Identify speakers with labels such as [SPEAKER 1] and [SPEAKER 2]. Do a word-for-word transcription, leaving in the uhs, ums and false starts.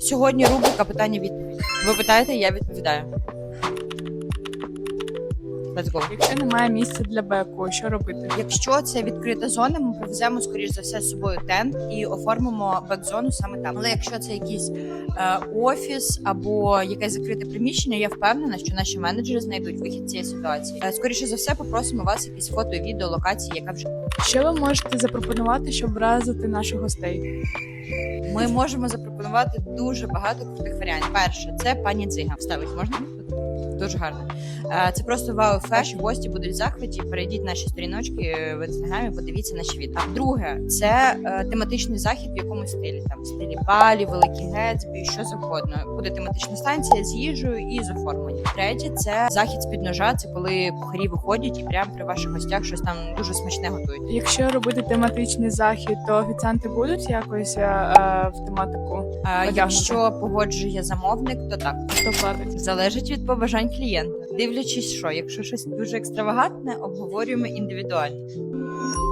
[SPEAKER 1] Сьогодні рубрика питання-відповідь. Ви питаєте, я відповідаю. Let's go.
[SPEAKER 2] Якщо немає місця для беку, що робити?
[SPEAKER 1] Якщо це відкрита зона, ми привеземо, скоріш за все, з собою тент і оформимо бек-зону саме там. Але якщо це якийсь е, офіс або якесь закрите приміщення, я впевнена, що наші менеджери знайдуть вихід з цієї ситуації. Е, скоріше за все, попросимо вас якісь фото і відео локації, яка вже
[SPEAKER 2] Що ви можете запропонувати, щоб вразити наших гостей?
[SPEAKER 1] ми можемо запропонувати дуже багато крутих варіантів. Перше, це пані Дзига. Вставить можна? Дуже гарно. Е, Це просто вау-ефект. Ваші гості будуть в захваті. Перейдіть наші сторіночки в інстаграмі, подивіться наші відео. Друге, це е, тематичний захід в якомусь стилі. Там в стилі Балі, Великий Гетсбі, що завгодно. Буде тематична станція з їжею і з оформленням. Третє, це захід з під ножа. Це коли кухарі виходять і прямо при ваших гостях щось там дуже смачне готують.
[SPEAKER 2] Якщо робити тематичний захід, то офіціанти будуть якось е, в тематику?
[SPEAKER 1] А якщо погоджує замовник, то так.
[SPEAKER 2] Хто платить?
[SPEAKER 1] Залежить від побажань клієнта. Дивлячись, що якщо щось дуже екстравагантне, обговорюємо індивідуально.